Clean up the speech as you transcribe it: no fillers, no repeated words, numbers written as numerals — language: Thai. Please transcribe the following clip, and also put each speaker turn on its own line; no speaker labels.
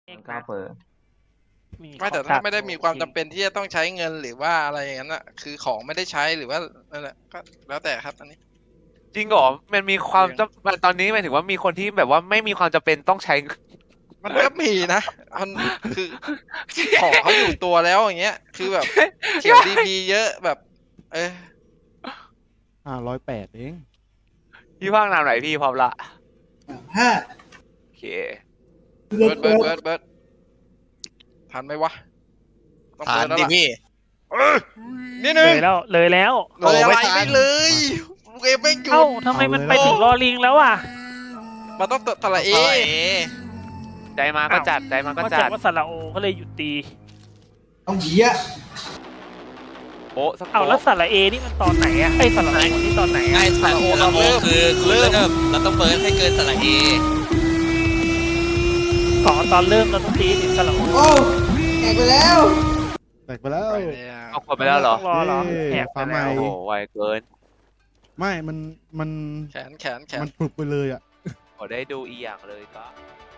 กล้าเปิด
ไม่แต่ถ้าไม่ได้มีความจำเป็นที่จะต้องใช้เงินหรือว่าอะไรอย่างนั้นอ่ะคือของไม่ได้ใช้หรือว่านั่นแหละก็แล้วแต่ครับอันนี้
จริงเหรอมันมีความจำตอนนี้หมายถึงว่ามีคนที่แบบว่าไม่มีความจำเป็นต้องใช้
มันก็มีนะมันคือของเขาอยู่ตัวแล้วอย่างเงี้ย คือแบบเขียวดีพีเยอะแบบ
508เอง
พี่ว่างนานไหนพี่พร้อมละ
ห้า
โอเค
เบิร์ดทันไหมวะต้อง
ผ่า
เบิ
น
ร์ดแล้ว
ดิ
ล่ะ
พี่
นิด
เล
นึง
ยแล้วเลยแล้ว
เลยอะไร
โอ้ไม่ทัน
ไม่เลยเกมไม่หยุ
เอ้า
ด
ทำไมมันไปถึงรอลิงแล้วอ่ะ
มันต้องตะละเอ
ต่อย
ใจมาก็จัดใจมาก็
ก็
จั
จั
ด
ดว่าสระโอก็เลยหยุดตี
ต้องเหี้ย
โป๊ะสัก
เอ้า
โป๊ะ
แล้วสระเอนี่มันตอนไหนอ่ะไอ้สระโอนี่ตอนไหน
ไอ้
อ่ะ
สระโอคือเริ่มเราต้องเบิร์นให้เกินสระเอ
ขอตอนเริ่มเราต้องตีถึงสระโอ
โอ้แตกไปแล้ว
แตกไปแล้ว
ไปแล้ว
เอาคนไปแล้วเหรอ
ต้องรอเหรอแหกไป
ฟ้าใหม่
แล้ว
โอ้โหไวเกิน
ไม่มัน
แขน
มันปลุกไปเลยอ่ะ
ขอได้ดูอีกอย่างเลยก็